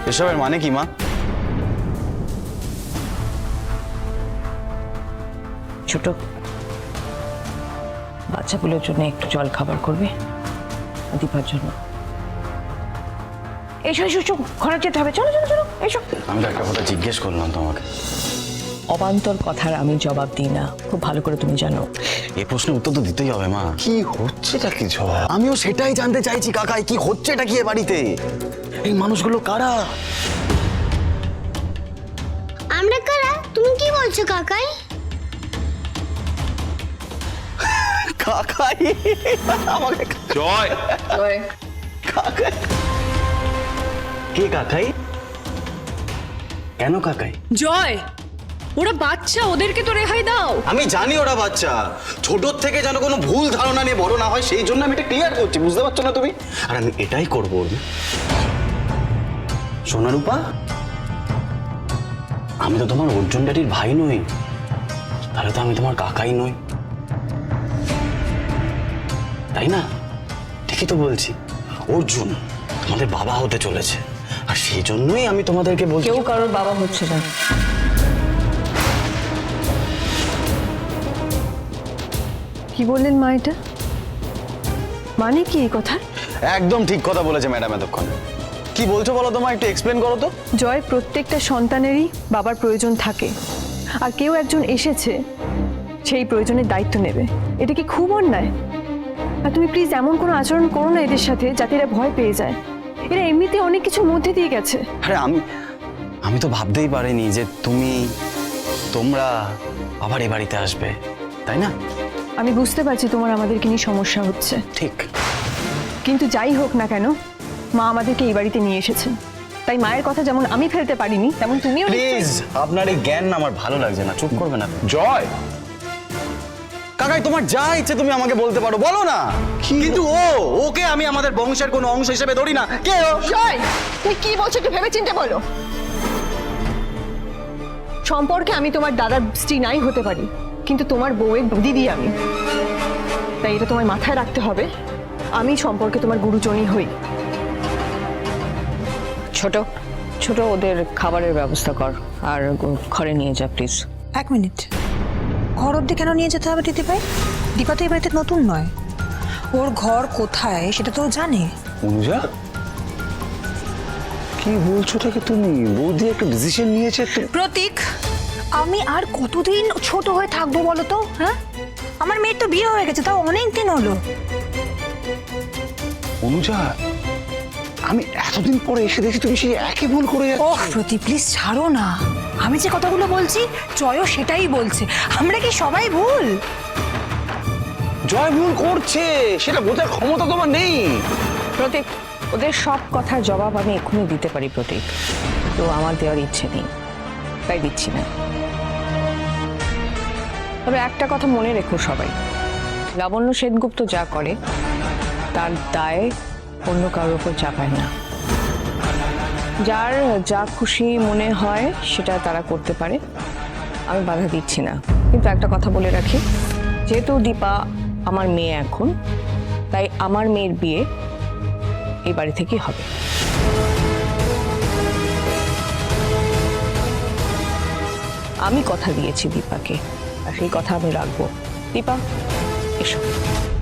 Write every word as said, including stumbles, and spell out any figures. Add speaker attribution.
Speaker 1: এসবের মানে কি মা?
Speaker 2: ছোট বাচ্চাগুলোর জন্য একটু জল খাবার করবে, দীপার জন্য। এসো এসো এসো, ঘরে যেতে হবে, চলো চলো চলো এসো।
Speaker 1: আমি তো একটা কথা জিজ্ঞেস করলাম তোমাকে।
Speaker 2: অবান্তর কথার আমি জবাব দিই না, খুব ভালো করে তুমি জানো।
Speaker 1: এই প্রশ্নের উত্তর তো দিতেই হবে মা।
Speaker 3: কি হচ্ছেটা কি ঝড়?
Speaker 1: আমিও সেটাই জানতে চাইছি কাকাই, কি হচ্ছে এটা কি এ বাড়িতে? এই মানুষগুলো কারা?
Speaker 4: আমরা কারা? তুমি কি বলছো কাকাই?
Speaker 1: কাকাই আমাকে
Speaker 3: জয়
Speaker 1: কাকাই কে? কাকাই কেন? কাকাই
Speaker 5: জয়, ওরা বাচ্চা, ওদেরকে তো রেহাই দাও।
Speaker 1: আমি জানি ওরা বাচ্চা, ছোটর থেকে যেন কোনো ভুল ধারণা নিয়ে বড় না হয় সেই জন্য আমি এটা ক্লিয়ার করছি, বুঝতে পারছো না তুমি? আর আমি এটাই করবো। সোনারূপা, আমি তো তোমার অর্জুন ড্যাডির ভাই নই, তাহলে তো আমি তোমার কাকাই নই, তাই না? ঠিকই তো বলছি। অর্জুন আমাদের বাবা হতে চলেছে, আর সেই জন্যই আমি তোমাদেরকে বলছি।
Speaker 2: কেউ কারোর বাবা হচ্ছে না।
Speaker 6: কি বললেন মা? এটা মানে কি এই কথা?
Speaker 1: একদম ঠিক কথা বলেছে ম্যাডাম এতক্ষণ। কি বলছো বলো তো মা, একটু এক্সপ্লেন করো তো।
Speaker 6: জয়, প্রত্যেকটা সন্তানেরই বাবার প্রয়োজন থাকে, আর কেউ একজন এসেছে সেই প্রয়োজনের দায়িত্ব নেবে। এটা কি খুব অন্যায়? আর তুমি প্লিজ এমন কোনো আচরণ করো না এদের সাথে যাতে এরা ভয় পেয়ে যায়। এরা এমনিতে অনেক কিছুর মধ্যে দিয়ে গেছে।
Speaker 1: আরে আমি আমি তো ভাবতেই পারিনি যে তুমি তোমরা আবার এই বাড়িতে আসবে, তাই না?
Speaker 6: আমি বুঝতে পারছি তোমার আমাদেরকে নিয়ে সমস্যা হচ্ছে,
Speaker 1: ঠিক।
Speaker 6: কিন্তু যাই হোক না কেন, মা আমাদেরকে এই বাড়িতে নিয়ে এসেছেন, তাই মায়ের কথা যেমন আমি ফেলতে পারিনি তেমন তুমিও।
Speaker 1: প্লিজ, আপনার এই জ্ঞান আমার ভালো লাগছে না, চুপ করবে না?
Speaker 3: জয়
Speaker 1: কাকাই, তোমার যা ইচ্ছে তুমি আমাকে বলতে পারো, বলো না। কিন্তু ও ওকে আমি আমাদের বংশের কোনো অংশ হিসেবে ধরি না। কে ও?
Speaker 6: জয়, তুই কি বলছো একটু ভেবে চিন্তে বলো। সম্পর্কে আমি তোমার দাদার স্ত্রী নাই হতে পারি, কিন্তু তোমার বউয়ের দিদি আমি, তাই এটা তোমার মাথায় রাখতে হবে। আমি সম্পর্কে তোমার গুরুজনই হই।
Speaker 2: ছোট ছোট ওদের খাবারের ব্যবস্থা কর, আর ঘরে নিয়ে যা প্লিজ।
Speaker 7: এক মিনিট, ঘর অব্দি কেন নিয়ে যেতে হবে দিদি ভাই? দীপা তো এই বাড়িতে নতুন নয়, ওর ঘর কোথায় সেটা তো ও জানে।
Speaker 3: অনুজা, কি বলছোটাকে তুমি? বৌদি একটা ডিসিশন নিয়েছে তো।
Speaker 7: প্রতীক, আমি আর কতদিন ছোট হয়ে থাকবো বলো তো? হ্যাঁ, আমার মেয়ের তো বিয়ে হয়ে গেছে, তাও অনেক দিন হলো।
Speaker 3: অনুজা, আমি এতদিন পরে এসে দেখি তুমি সেই একই ভুল করে যাচ্ছ।
Speaker 7: ওহ প্রতীক, প্লিজ ছাড়ো না। আমি যে কথাগুলো বলছি জয়ও সেটাই বলছে। আমরা কি সবাই ভুল?
Speaker 3: জয় ভুল করছে, সেটা বোঝার ক্ষমতা তোমার নেই।
Speaker 2: প্রতীক, ওদের সব কথার জবাব আমি এক্ষুনি দিতে পারি প্রতীক, তো আমার দেওয়ার ইচ্ছে নেই, তাই দিচ্ছি না। তবে একটা কথা মনে রেখো সবাই, লাবণ্য সেনগুপ্ত যা করে তার দায় অন্য কারোর উপর চাপায় না। যার যা খুশি মনে হয় সেটা তারা করতে পারে, আমি বাধা দিচ্ছি না। কিন্তু একটা কথা বলে রাখি, যেহেতু দীপা আমার মেয়ে এখন, তাই আমার মেয়ের বিয়ে এই বাড়ি থেকেই হবে। আমি কথা দিয়েছি দীপাকে, আর সেই কথা আমি রাখবো। দীপা, এসো।